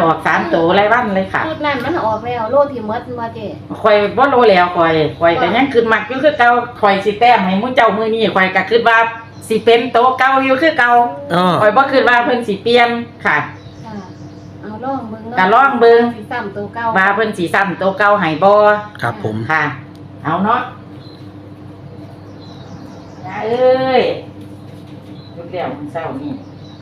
ออก3ตัวรายวันเลยค่ะชุดนั้นมันออกแล้วโลที่หมดมาเจ้ข่อยบ่รู้แล้วข่อยก็ยังคิดมักอยู่คือเก่าข่อยสิแต้มให้มื้อเจ้ามื้อนี้ข่อยก็คิดว่าสิเป็นโตเก่าอยู่คือเก่าข่อยบ่คิดว่าเพิ่นสิเปลี่ยนค่ะเอาลองเบิ่งก็ลองเบิ่งสิซ้ำตัวเก่าว่าเพิ่นสิซ้ำโตเก่าให้บ่ครับผมค่ะ เอาเนาะย่าเอ้ยลูกแล้วมื้อเช้านี้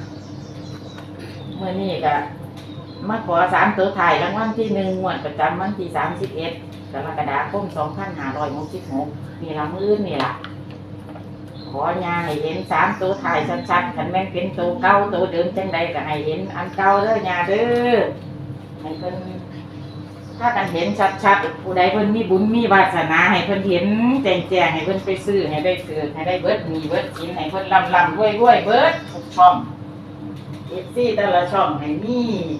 มื้อนี้ก็มาขอ3ตัวท้ายรางวัลที่1งวดประจำวันที่31กรกฎาคม2566นี่ล่ะมื้อนี่ล่ะขอยาให้เห็น3ตัวท้ายชัดๆคันแม่นเป็นตัวเก่าตัวเดิมจังใดก็ให้เห็นอันเก่าเด้อยาเด้อให้เพิ่นถ้ากันเห็นชัดๆผู้ใดเพิ่นมีบุญมีวาสนาให้เพิ่นเห็นแจ้งๆให้เพิ่นไปซื้อให้ได้เกิดให้ได้เบิดมีเบิดกินให้เพิ่นร่ำๆรวยๆเบิดทุกช่อง FC แต่ละช่องให้มี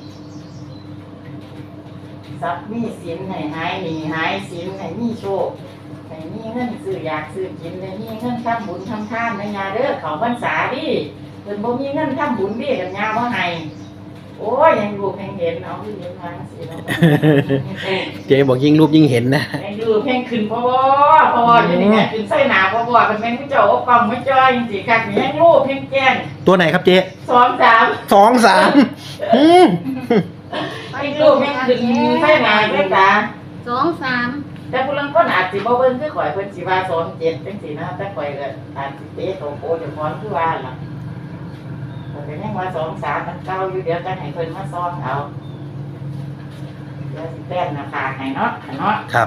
ทรัพย์มีสินให้หายหนี้หายสินให้มีโชคให้มีเงินซื้ออยากซื้อกินให้มีเงินทำบุญทำทานนะยาเด้อเขาพรรษาดิเพิ่นบ่มีเงินทำบุญดิกันยาบ่ให้โอ้ยยังลูกยังเห็นเอาที่เห็นมาสิเนาะเจ๊บอกยิ่งรูปยิ่งเห็นนะยังดูเพ่งขึ้นพ่ออยู่นี่ไงขึ้นใส่หนาพ่อเป็นแม่งผู้เจ้าอบกองไม่จ้อยจริงๆค่ะยังลูกเพ่งแจ้งตัวไหนครับเจ๊ 2-3 2-3 ยังลูกเพ่งขึ้นใส่หนาเพ่งตา 2-3 แต่ผู้ลังคนอาจสิบ่เบิ่งคือข่อยเพิ่นสิว่า2-7จังซี่นะแต่ข่อยก็อาจสิเตะโตโกจะพรคือว่าล่ะแต่ยังว่า2-3มันเก่าอยู่เดี๋ยวจะให้เพิ่นมาซ้อมเอาเดี๋ยวสิแต้มหน้าผากให้เนาะครับ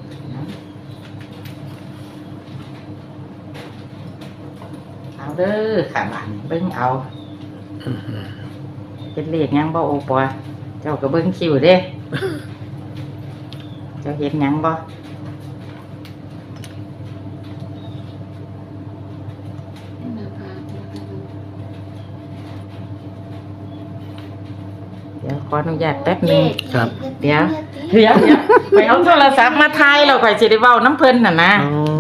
เอาเด้อค่ะบ้านเบิ่งเอาเป็นเลขยังบ่โอปอเจ้าก็เบิ่งคิวเด้ เจ้าเห็นยังบ่เดี๋ยวขออนุญาตแป๊บนึงครับเดี๋ยวไปเอาโทรศัพท์มาถ่ายแล้วข่อยสิได้เว้าน้ำเพิ่นน่ะนะ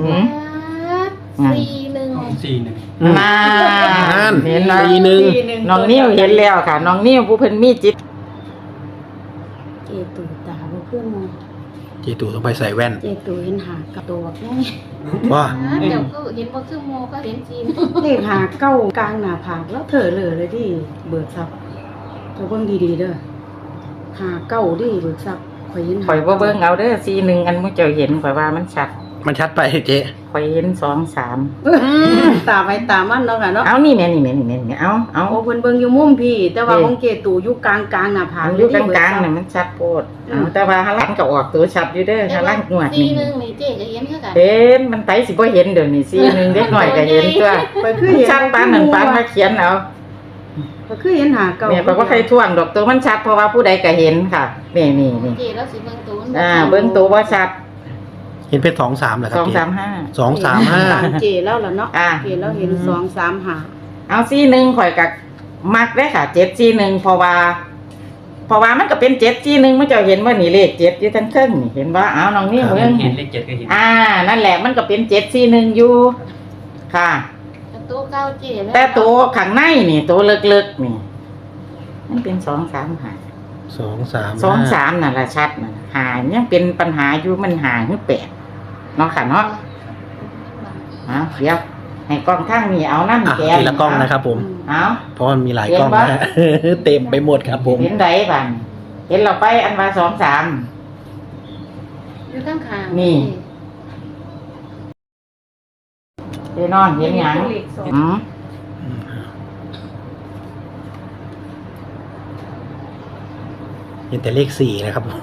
4-1 มานั่นเห็นแล้ว 4-1 น้องนิ้วเห็นแล้วค่ะน้องนิ้วผู้เพิ่นมีจิตเจตูตาบ่ขึ้นมองเจ๊ตู่ต้องไปใส่แว่นเจตูเห็นหากับตัวนี่ว่าเดี๋ยวก็เห็นบ่คือโมก็เห็นจีนเลขหาเก้ากลางหน้าผากแล้วเถอะเลยที่เบิกทรัพย์เจ้าเบิ่งดีๆเด้อหาเก้าดิเบิกทรัพย์ข่อยเห็นข่อยบ่เบิ่งเอาเด้อ41อันมื้อเจ้าเห็นข่อยว่ามันชัดมันชัดไปเจ๊ข่อยเห็น2-3 ตาไว้ตามันเนาะค่ะเนาะเอานี่แม่เอาโอ้เพิ่นเบิ่งอยู่มุมพี่ แต่ว่าของเกตูอยู่กลางหน้าผากอยู่กลางๆน่ะมันชัดโพดเอาแต่ว่าหาลังก็ออกตัวชัดอยู่เด้อหาลังงวดนี่ 4-1นี่เจ๊ก็เห็นคือกันเห็นมันไปสิบ่เห็นเดี๋ยวนี้41เด็กน้อยก็เห็นตัวข่อยคือเห็นชัดปานนั้นปานมาเขียนเอาข่อยคือเห็นหาเก้าแม่ก็บ่ใครท่วงดอกตัวมันชัดเพราะว่าผู้ใดก็เห็นค่ะนี่เจ๊แล้วสิเบิ่งตัวมันเบิ่งตัวบ่ชัดเห็นเพชร2-3เหรอครับเจ๊ 2-3-5 2-3-5 เจแล้วล่ะเนาะอ่าเจแล้วเห็น2 3 5 เอา41ข่อยก็มักเด้อค่ะ741เพราะว่ามันก็เป็น741มันเจ้าเห็นว่านี่เลข7อยู่ทั้งเทิงนี่เห็นบ่เอาน้องนี่เบิ่งเห็นเลข7ก็เห็นนั่นแหละมันก็เป็น741อยู่ค่ะตัวเก่าเจ๊แล้วแต่ตัวข้างในนี่ตัวเล็กๆนี่มันเป็น2-3-5 2-3 นั่นล่ะชัดน่ะหายังเป็นปัญหาอยู่มันหาคือ8เนาะค่ะเนาะเดี๋ยวให้กล้องทางนี้เอานำแกทีละกล้องนะครับผมเอาเพราะมันมีหลายกล้องนะ เต็มไปหมดครับผมเห็นไดบัดเห็นเราไปอันว่า2-3 อยู่ข้างๆนี่ เด้นอนเห็นหยังอืมเห็นแต่เลข4นะครับผม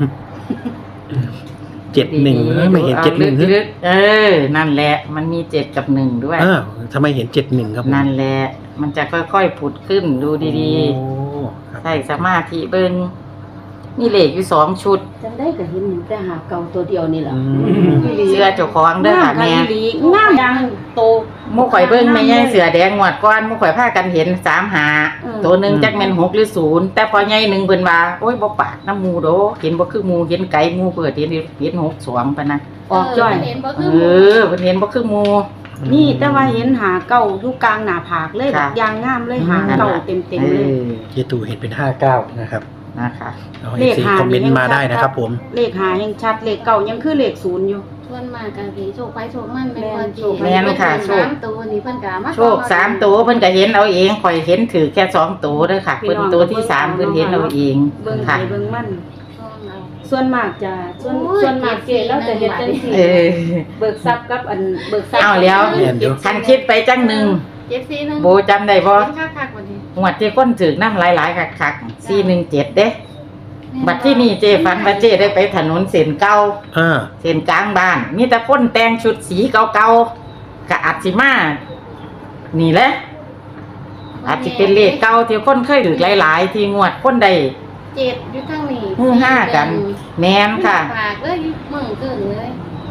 71ไม่เห็น71 ลึกๆนั่นแหละมันมี7กับ1ด้วยทำไมเห็น71ครับผมนั่นแหละมันจะค่อยๆผุดขึ้นดูดีโอ้ครับๆใส่สมาธิเบิ่งมีเลขอยู่2ชุดจังได้ก็เห็นแต่หาเก้าตัวเดียวนี่แหละเสื้อเจ้าของเด้อค่ะแม่งามอย่างโตหมู่ข่อยเบิ่งแม่ใหญ่เสือแดงงวดก่อนหมู่ข่อยพากันเห็น3-5ตัวหนึงจักแม่น6หรือ0แต่พอใหญ่หนึงเพิ่นว่าโอ้ยบ่ปากน้ำหมู่โดเห็นบ่คือหมู่เห็นไกลหมู่เปิดเห็น62ปะนะออกจ้อยเห็นบ่คือเพิ่นเห็นบ่คือหมู่นี่แต่ว่าเห็นหาเก้าอยู่กลางหน้าผากเลยค่ะแบบยางงามเลยหาเก้าเต็มๆเลยเจตูเห็นเป็น59นะครับนะคะเอาเอฟซีคอมเมนต์มาได้นะครับผมเลขหายังชัดเลขเก่ายังคือเลขศูนย์อยู่ส่วนมากก็สิโชคไปโชคมันเป็นคนแม่นค่ะโชค 3ตัวนี่เพิ่นก็มาโชค3ตัวเพิ่นก็เห็นเอาเองข่อยเห็นถือแค่2ตัวเด้อค่ะเพิ่นตัวที่3เพิ่นเห็นเอาเองเบิ่งค่ะไปเบิ่งมันช่องเอาส่วนมากจะส่วนมากเกแล้วจะเฮ็ดจังซี่เออเบิกทรัพย์กับอันเบิกทรัพย์เอาแล้วเรียนอยู่คันคิดไปจังหนึง 741 โบจำได้บ่คักๆกว่านี้งวดที่คนถือน้ำหลายๆคักๆ417เด้บัดที่นี่เจฝันว่าเจได้ไปถนนเส้นเก่าอ่าเส้นกลางบ้านมีแต่คนแต่งชุดสีเก่าๆก็อาจสิมานี่แหละอาจจะเป็นเลขเก่าที่คนเคยถือหลายๆ ที่งวดคนใดเจ็ดอยู่ทางนี้ฮือฮากัน แม่นค่ะฝากเลยมึงเกินเลย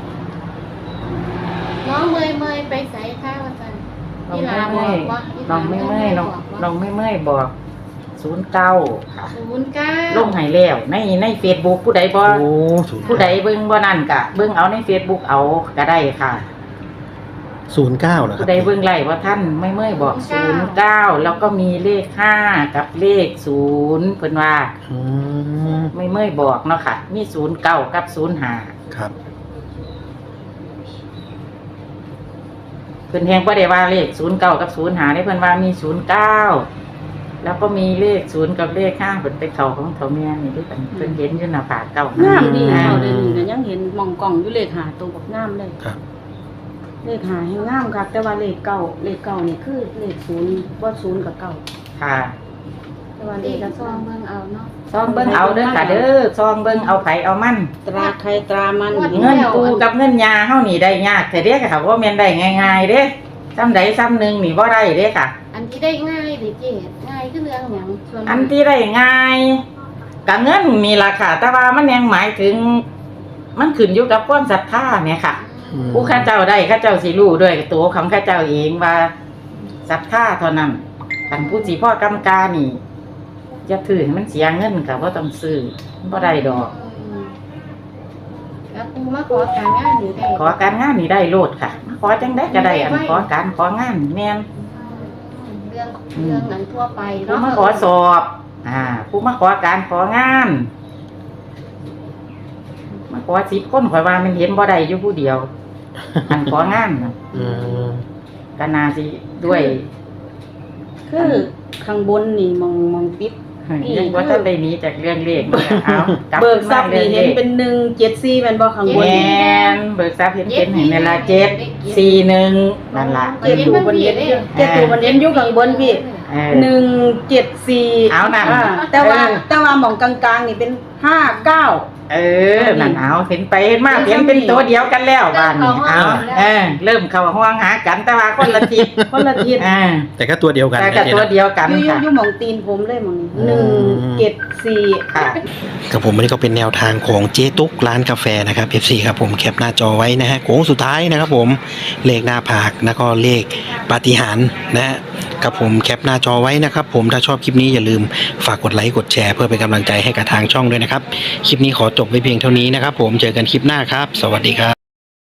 น้องเมยไปใส่ข้าวอาจารย์น้องไม่เมื่อยน้องไม่เมื่อยน้องไม่เมื่อยบอก09ค่ะ 09 ลงให้แล้วใน Facebook ผู้ใดบ่โอ้ศูนย์ผู้ใดเบิ่งบ่นั่นก็เบิ่งเอาใน Facebook เอาก็ได้ค่ะ 09เหรอครัผู้บใดเบิ่งไล่ว่าท่านไม่เมื่อยบอก09แล้วก็มีเลข5กับเลข0เพิ่นว่าอืมไม่เมื่อยบอกเนาะค่ะ มี09กับ05 ครับเพิ่นแฮงบ่ได้ว่าเลข09กับ05ได้เพิ่นว่ามี09แล้วก็มีเลข0กับเลข5เพิ่นไปเข้าของเฒ่าแม่นี่ด้วยกันเพิ่นเห็นอยู่หน้าผากเก่างามดีอ่าเอาเดี๋ยวนี้ก็ยังเห็นมองกล่องอยู่เลขหาตัวบักงามเลยครับเลขหาให้งามครับแต่ว่าเลขเก่านี่คือเลขศูนย์บ่ศูนย์กับเก่าค่ะแต่ว่าเลเด็ขกก็ก็ซองเบิ่งเอาเนาะซองเบิ่งเอาเด้อค่ะเด้อซองเบิ่งเอาไผเอามันตราใครตรามันเงินกูกับเงินยาเฮานี่ได้ยากแต่เด้ค่ะว่าแม่นได้ง่ายๆเด้ซ้ำใดซ้ำหนึงนี่บ่ได้เด้ค่ะอันที่ได้ง่ายดิเจ๊ง่ายคือเรื่องหยังส่วนอันที่ได้ง่ายกับเงินนี่ล่ะค่ะ แต่ว่ามันยังหมายถึง มันขึ้นอยู่กับความศรัทธาเนี่ยค่ะอืมผู้ข้าเจ้าได้ข้าเจ้าสิรู้ด้วยตัวของข้าเจ้าเองว่าศรัทธาเท่านั้นคันผู้สิพ่อกำกานี่จะถือให้มันเสียเงินก็บ่ต้องซื้อมันบ่ได้ดอกแล้วกูมาขอการงานอยู่ได้ขอการงานนี่ได้โลดค่ะมาขอจังได้ก็ได้อันขอการของานแม่นเรื่องนั้นทั่วไปผู้เนาะมาขอสอบ ผู้มาขอการของาน มาขอ10 คนข่อยว่ามันเห็นบ่ได้อยู่ผู้เดียว อันของานน่ะอืมก็น่าสิด้วยคือข้างบนนี่มองปิดยังว่าถ้าได้หนี้จากเรื่องเลขมันก็เอากลัเบิกทรัพย์ขึ้นี่มาเห็นรื่อยๆเป็น174แม่นบ่ข้างบนแม่นเบิกทรัพย์เห็นเป็นให้เวลา741นั่นล่ะเจ็ดตัวมันเห็นเจ็ดตัวมันเห็นอยู่ข้างบนพี่เออ 174 เอานั่นแต่ว่าหม่องกลางๆนี่เป็น59 เออนั่นเอาเห็นไปเห็นมาเห็นเป็นตัวเดียวกันแล้วบ้านนี้เอาเริ่มเข้าห้องหากันแต่ว่าคนละทิศคนละทิศแต่ก็ตัวเดียวกันแต่นะก็เจ๊ตัวนะเดียวกันอยู่ค่ะหม่องตีนผมเลยหม่องนี้อืม 174 ค่ะครับผมอันนี้ก็เป็นแนวทางของเจ๊ตุ๊กร้านกาแฟนะครับ FC ครับผมแคปหน้าจอไว้นะฮะโค้งสุดท้ายนะครับผมเลขหน้าผากแล้วก็เลขปาฏิหาริย์นะฮะครับผมแคปหน้าจอไว้นะครับผมถ้าชอบคลิปนี้อย่าลืมฝากกดไลค์กดแชร์เพื่อเป็นกำลังใจให้กับทางช่องด้วยนะครับคลิปนี้ขอจบไว้เพียงเท่านี้นะครับผมเจอกันคลิปหน้าครับสวัสดีครับ